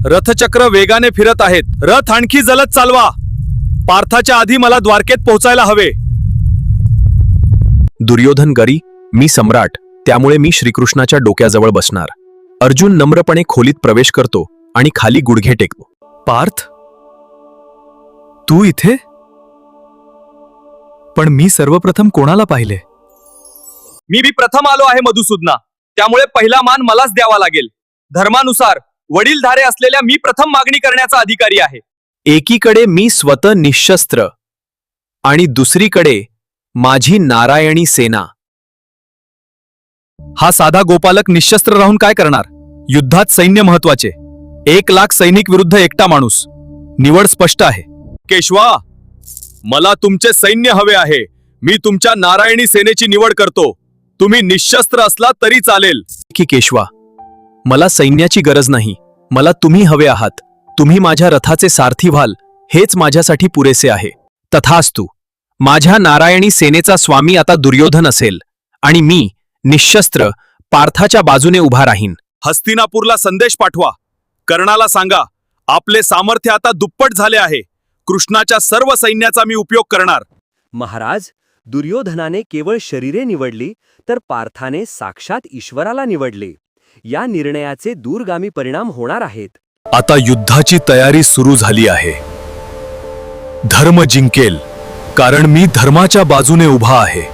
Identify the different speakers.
Speaker 1: रथचक्र वेगाने फिरत आहेत. रथ आणखी जलद चालवा. पार्थाच्या आधी मला द्वारकेत पोहोचायला हवे.
Speaker 2: दुर्योधन गरी, मी सम्राट, त्यामुळे मी श्रीकृष्णाच्या डोक्याजवळ बसणार. अर्जुन नम्रपणे खोलीत प्रवेश करतो आणि खाली गुडघे टेकतो.
Speaker 1: पार्थ, तू इथे? पण मी सर्वप्रथम कोणाला पाहिले? मी प्रथम आलो आहे मधुसूदना, त्यामुळे पहिला मान मलाच द्यावा लागेल. धर्मानुसार वडीलधारे असलेल्या मी प्रथम मागणी करण्याचा अधिकारी आहे.
Speaker 2: एकीकडे मी स्वतः निशस्त्र आणि दुसरीकडे माझी नारायणी सेना.
Speaker 1: हा साधा गोपालक निशस्त्र राहून काय करणार? युद्धात सैन्य महत्वाचे. 1,00,000 सैनिक विरुद्ध एकटा माणूस. निवड स्पष्ट आहे. केशवा, मला तुमचे सैन्य हवे आहे. मी तुमच्या नारायणी सेनेची निवड करतो. तुम्ही निशस्त्र असला तरी चालेल.
Speaker 2: की केशवा, मला सैन्याची गरज नाही. मला तुम्ही हवे आहात. तुम्ही माझ्या रथाचे सारथी व्हाल, हेच माझ्यासाठी पुरेसे आहे. तथास्तु. माझ्या नारायणी सेनेचा स्वामी आता दुर्योधन असेल आणि मी निशस्त्र पार्थाच्या बाजूने उभा राहीन.
Speaker 1: हस्तिनापूरला संदेश पाठवा. कर्णाला सांगा, आपले सामर्थ्य आता दुप्पट झाले आहे. कृष्णाच्या सर्व सैन्याचा मी उपयोग करणार.
Speaker 3: महाराज, दुर्योधनाने केवळ शरीरे निवडली तर पार्थाने साक्षात ईश्वराला निवडले. या निर्णयाचे दूरगामी परिणाम होणार आहेत.
Speaker 1: आता युद्धाची तयारी सुरू झाली आहे. धर्म जिंकेल, कारण मी धर्माच्या बाजूने उभा आहे.